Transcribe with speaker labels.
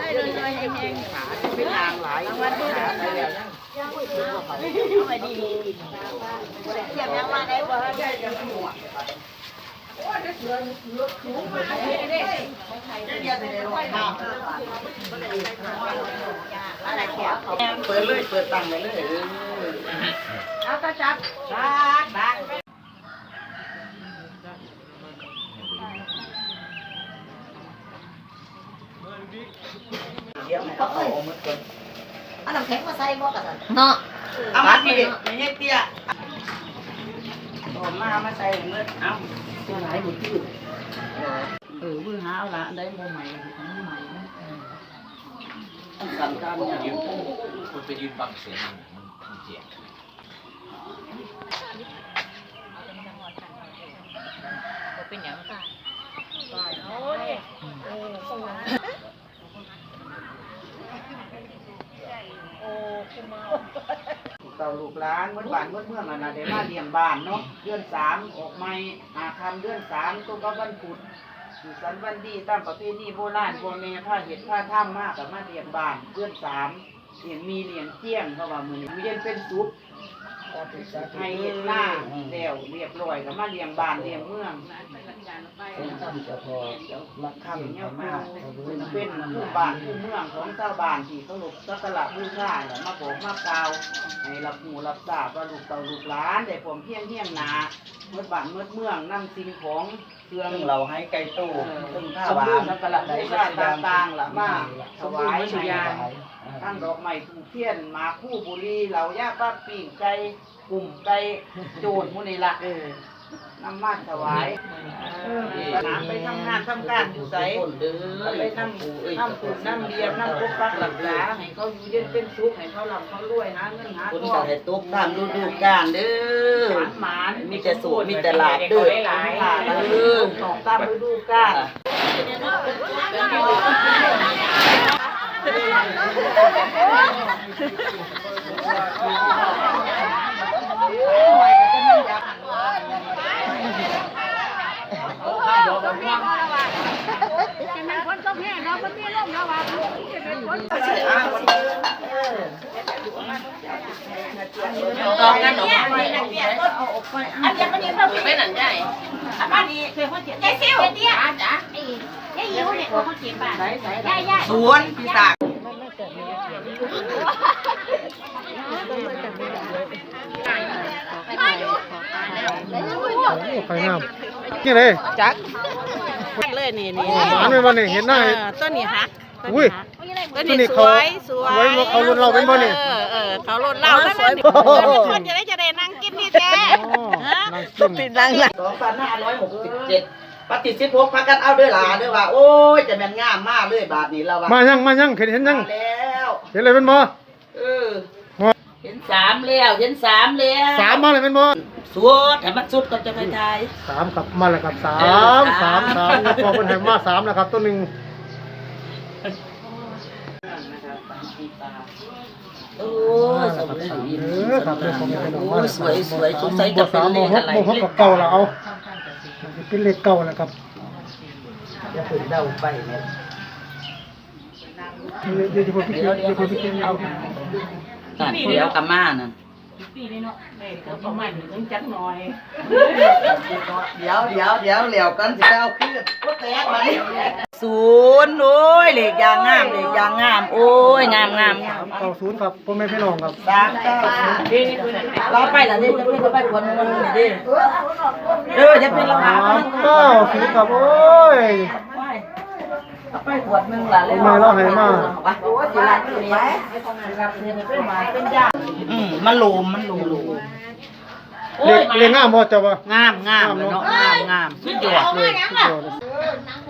Speaker 1: เลยแห้งขาเป็นนางหลายวันขาไปแล้วเอาไปดีเทียบยังว่าได้บ่ได้ยังหัวโอ้ยเสือถูมาเด้เด้เดี๋ยวจะได้ลอยน้ำอะไรแขวเปิดเลยเปิดตังเลยเอาตาจับดักเดี๋ยวเขาเอามือก่อนเอาน้ำแข็งมาใส่บ่กันเนาะเอามาพี่ไม่ใช่เตี้ยเอามาใส่เมื่อเอาตัวไหนบุตรมือหาเอาละได้โมใหม่ทั้งใหม่นะสั่งการเนี่ย
Speaker 2: คุณไปยืนบังเสียงมันเจ็บ
Speaker 1: เป็นอย่างไรโอ้ยเต่าลูกหลานเมื่อบ้านเมื่อเมืองน่ะได้มาเลี้ยงบ้านเนาะเดือน3ออกใหม่คำเดือน3ตัวก็วันพุธอยู่สันวันดีตามประเพณีโบราณโบเมผ้าเห็ดผ้าถ้ำมากกับมาเลี้ยงบ้านเดือน3เลี้ยงมีเลี้ยงเที่ยงเพราะว่ามือนี้เย็นเป็นซุปให้เห็ดหน้าแล้วเรียบร้อยกับมาเลี้ยงบ้านเลี้ยงเมืองรักคำเนี่ยมาเป็นผู้บ้านผู้เมืองของชาวบ้านที่เขาหลบสักการะบูชาเนี่ยมาบอกมากล่าวให้รับหูรับทราบว่าลูกเต่าลูกหลานได้ผมเพียงนาเมื่อบ้านเมื่อเมืองนำสิ่งของเครื่องเราให้ไก่ตู้ซึ่งผ้าหวานสักการะบูชาต่างๆล่ะมาถวายให้ทั้งดอกไม้ถูกเทียนมาคู่บุรีเหล่าย่าป้าปีกไก่กลุ่มไก่โจรมุนีละน้ำมันถวายน้ำไปทำงานทำการอยู่ใสไปทำปุ๋ยน้ำเลี้ยงน้ำปกปักหลักษาให้เขาอยู่เย็นเป็นสุขให้เขาหลับเขารวยหาเงินหาทองคนให้ตกตามฤดูกาลเด้อหมานมีแต่สุขมีแต่ลาบเด้อตกตามฤดูกาลคนต้องแห้งเราคนมีร่มเราว่าตอนนั้นเนี่ยอันนี้มันยืนเราไม่หนังใหญ่อันนี้เคยเขาเจ็บไอ้ซิวเตี้ยจ้ะไอ้ยิ้วเนี่ยเขาเจ็บป่ะย่าสวนปีศาจ
Speaker 3: ไฟน้ำนี่เลย
Speaker 1: จักเลยนี่
Speaker 3: หวานเป็นบ่นี่เห็นหน้า
Speaker 1: ต้นนี้ฮัก
Speaker 3: อุ้ย
Speaker 1: ต้นนี้สวย
Speaker 3: เขารุ่นเราเป็นบ่นี่
Speaker 1: เขารุ่นเราแล้วนี่คนจะได้นั่งกินนี่แท้ปิดนั่งละ2567ปฏิสิทธิ์พกพักกันเอาด้วยหลาด้วยว่าโอ้ยจะแม่นงามมากเลยบาทนี้เราว่า
Speaker 3: มายังเห็นยัง
Speaker 1: แล้ว
Speaker 3: เห็นอะไรเป็นบ่
Speaker 1: เห็น3แล้ว
Speaker 3: 3มาเลยเป็นบ่
Speaker 1: สุดแต่มันสุดก็จะไปทาย
Speaker 3: 3ครับมาแล้วครับ3แล้วพอเป็นแห่งมา3แล้วครับตัวนึง
Speaker 1: โอ้ยสวย
Speaker 3: ครับเลยผมเป็น
Speaker 1: โอ้ยสวยสงสัยจะเป็นเลขอะไร
Speaker 3: เลขเก่าแล้วเอาเป็นเลขเก่าแล้วครับ
Speaker 1: จะเป็นเดาไปเนี่ย
Speaker 3: เดี๋ยว
Speaker 1: กับม่านั่นปีนี้เนาะแม่เขาประมาณถึงจักหน่อยเดี๋ยวเหลียวกันสิเอาขึ้นก็แตกมา0โอ้ยเลขยางงามโอ้ยงาม
Speaker 3: 90ครับพ่อแม่พี่น้องครับ
Speaker 1: 390เราไปล่ะนี่จะเป็นไปคนมันนี่ดิจะเป็นเราหา
Speaker 3: 90ครับโอ้ย
Speaker 1: ไปขวดนึงล่ะ
Speaker 3: เลยเราให้มา
Speaker 1: โอ้ยสิลาตัวนี้เป็นหมาเป็นยามันโลม
Speaker 3: เรียงงามบ่เจ้าบ่
Speaker 1: งามเนาะงามสุดยอดเลย